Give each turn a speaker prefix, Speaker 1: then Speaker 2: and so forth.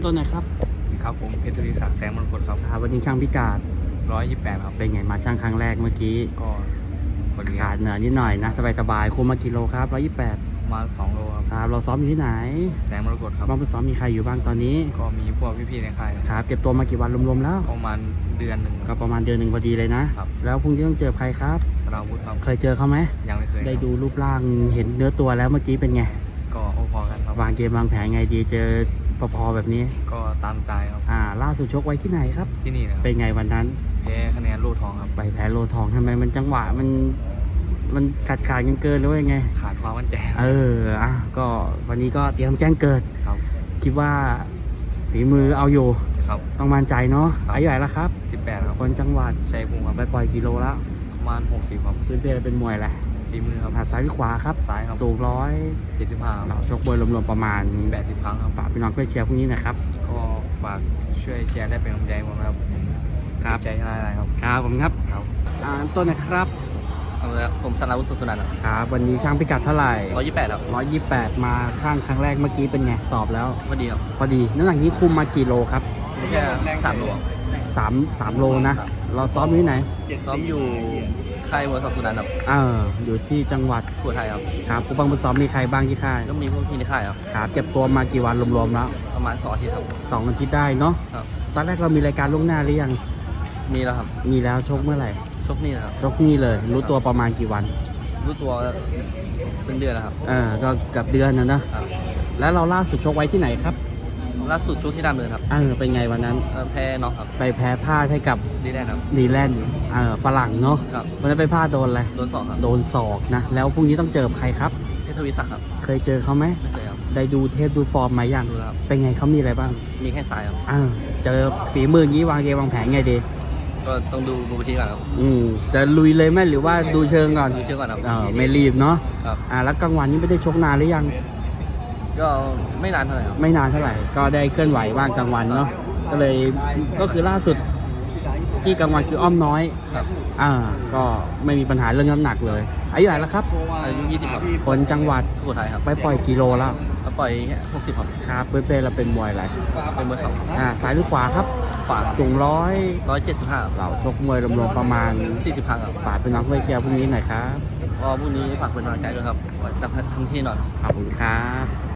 Speaker 1: ต้นไหนครับ
Speaker 2: ครับผมเพชรธุริศักดิ์แสงมรกตครับ
Speaker 1: วันนี้ช่างพิกัด
Speaker 2: 128ครับ
Speaker 1: เป็นไงมาช่างครั้งแรกเมื่อกี้
Speaker 2: ก็คนนี้
Speaker 1: ขาดเหนือนิดหน่อยนะสบายคุมมากี่โลครับ128
Speaker 2: ประมาณ2 โลครับ
Speaker 1: ครับเราซ้อมอยู่ที่ไหน
Speaker 2: แสงมรกตครับ
Speaker 1: บ้างซ้อมมีใครอยู่บ้างตอนนี้
Speaker 2: ก็มีพวกพี่ๆในค่าย
Speaker 1: ครับเก็บตัวมากี่วันรวมๆแล้ว
Speaker 2: ประมาณเดือนหนึ่ง
Speaker 1: ก็ประมาณเดือนหนึ่งพอดีเลยนะครับแล้วพรุ่งนี้ต้องเจอใครครับ
Speaker 2: สราวุธครับ
Speaker 1: เคยเจอเขาไหม
Speaker 2: ยังไม่เคย
Speaker 1: ได้ดูรูปร่างเห็นเนื้อตัวแล้วเมื่อกี้เป็นไง
Speaker 2: ก็พอกันครับ
Speaker 1: วางเกมวางแผนไงดีเจอพอแบบนี้
Speaker 2: ก็ตามตายครับ
Speaker 1: ล่าสุดชกไว้ที่ไหนครับ
Speaker 2: ที่นี่นะครับ
Speaker 1: เป็นไงวันนั้น
Speaker 2: แพ้คะแนนโล่ทองครับ
Speaker 1: ไปแพ้โลทองทำไมมันจังหวะมันขาดเกินหรือว่ายังไง
Speaker 2: ขาดความมั่นใจ
Speaker 1: ก็วันนี้ก็เตรียมแจ้งเกิด
Speaker 2: ครับ
Speaker 1: คิดว่าฝีมือเอาอยู่
Speaker 2: ครับ
Speaker 1: ต้องมั่นใจเนาะอายุเท่าไหร่แล้วครับ
Speaker 2: 18ครับ
Speaker 1: คนจังหวัด
Speaker 2: ชัยภูมิครับ
Speaker 1: ไปปล่อยกิโลแล้ว
Speaker 2: ประมาณ60ครับ
Speaker 1: พื้นเพเป็นมวยแหละ
Speaker 2: ฝีมือครับ
Speaker 1: ซ้ายหรือขวาครับ
Speaker 2: ซ้ายครับ
Speaker 1: สูง
Speaker 2: 75
Speaker 1: เราชกบวยรวมๆประมาณ
Speaker 2: 80 ครั้งครับ
Speaker 1: ฝากพี่น้องเพื่อเชียร์พรุ่งนี้นะครับ
Speaker 2: ก็ฝากช่วยเชียร์ได้เป็นกำลังใจผมครับใจชนะอะไรครับ
Speaker 1: ครับผมครับต้นนะครับ
Speaker 2: ผมสราวุฒิสุสุนันท์
Speaker 1: ครับวันนี้ช่างพิกัดเท่าไหร่
Speaker 2: 128ครับ
Speaker 1: 128มาช่างครั้งแรกเมื่อกี้เป็นไงสอบแล้ว
Speaker 2: พอดีครับ
Speaker 1: พอดีน้ำหนักนี้คุมมากี่โลครับ
Speaker 2: แค่3 โล
Speaker 1: 3 โลนะเราซ้อมอยู่ที่ไหน
Speaker 2: ซ้อมอยู่ค่ายมวยสุสุนันท์ครับ
Speaker 1: อยู่ที่จังหวัด
Speaker 2: สุโขทัยครับ
Speaker 1: ครับผู้บังคับซ้อมมีใครบ้างที่ค่าย
Speaker 2: ก็มีพวกพี่ในค่ายครับ
Speaker 1: ครับเก็บตัวมากี่วันรวมๆแล้ว
Speaker 2: ประมาณ2 อาทิตย์ครับ
Speaker 1: 2 อาทิตย์ได้เนาะ
Speaker 2: ครับ
Speaker 1: ตอนแรกเรามีรายการล่วงหน้าหรือยัง
Speaker 2: มีแล้วครับ
Speaker 1: มีแล้วชกเมื่อไหร่
Speaker 2: ชกนี่นะครับ
Speaker 1: ชกนี่เลยรู้ตัวประมาณกี่วัน
Speaker 2: รู้ตัวเป็นเดือนแล้วครับ
Speaker 1: ก็กับเดือนนะครับแล้วเราล่าสุดชกไว้ที่ไหนครับ
Speaker 2: ล่าสุดชกที่ดำเนินครับ
Speaker 1: เป็นไงวันนั้น
Speaker 2: แพ้น็อกครับ
Speaker 1: ไปแพ้พลาดให้กับ
Speaker 2: ดีแลนด์ครับ
Speaker 1: ดีแลนด์ฝรั่งเนาะวันนั้นไปพลาดโดนอะไร
Speaker 2: โดนศอกครับ
Speaker 1: โดนศอกนะแล้วพรุ่งนี้ต้องเจอใครครับ
Speaker 2: เพชรทวีศักดิ์ครับ
Speaker 1: เคยเจอเขาไหม
Speaker 2: ไม่เคยครับ
Speaker 1: ได้ดูเทปดูฟอร์มมายัง
Speaker 2: ดูครับ
Speaker 1: เป็นไงเขามีอะไรบ้าง
Speaker 2: มีแค่ซ้ายครับ
Speaker 1: เจอฝีมืออย่างนี้วางเกมวางแผนไงดี
Speaker 2: ก็ต้องดูบูทีก่อนครับ
Speaker 1: จะลุยเลยไหมหรือว่าดูเชิงก่อน
Speaker 2: ดูเชิงก่อนครับ
Speaker 1: ไม่รีบเนาะ
Speaker 2: ครับ
Speaker 1: แล้วกลางวันนี้ไม่ได้ชกนานหรือยัง
Speaker 2: ก็ไม่นานเท่าไหร่ครับ
Speaker 1: ไม่นานเท่าไหร่ก็ได้เคลื่อนไหวบ้างกลางวันเนาะก็คือล่าสุดที่กลางวันคืออ้อมน้อย
Speaker 2: ครับ
Speaker 1: ก็ไม่มีปัญหาเรื่องน้ำหนักเลยอายุเท่าไหร่แล้วครับ
Speaker 2: อายุ20ครับ
Speaker 1: คนจังหวัด
Speaker 2: สุโขทัยครับ
Speaker 1: ไปปล่อยกิโลแล้ว
Speaker 2: ปล่อยแค่60ครับ
Speaker 1: ครับเป้เราเป็นมวยอะไร
Speaker 2: เป็นมวยเข่า
Speaker 1: ซ้ายหรือขวาครับ
Speaker 2: ขวา
Speaker 1: สูง
Speaker 2: 175
Speaker 1: เราชกมวยรวมๆประมาณ
Speaker 2: 40 ครั้งครับ
Speaker 1: ฝากเป็นน้องเพื่อเชียร์พรุ่งนี้หน่อยครับ
Speaker 2: ก็พรุ่งนี้ฝากเป็นกำลังใจด้วยครับจะทำที่หน่อย
Speaker 1: ขอบคุณครับ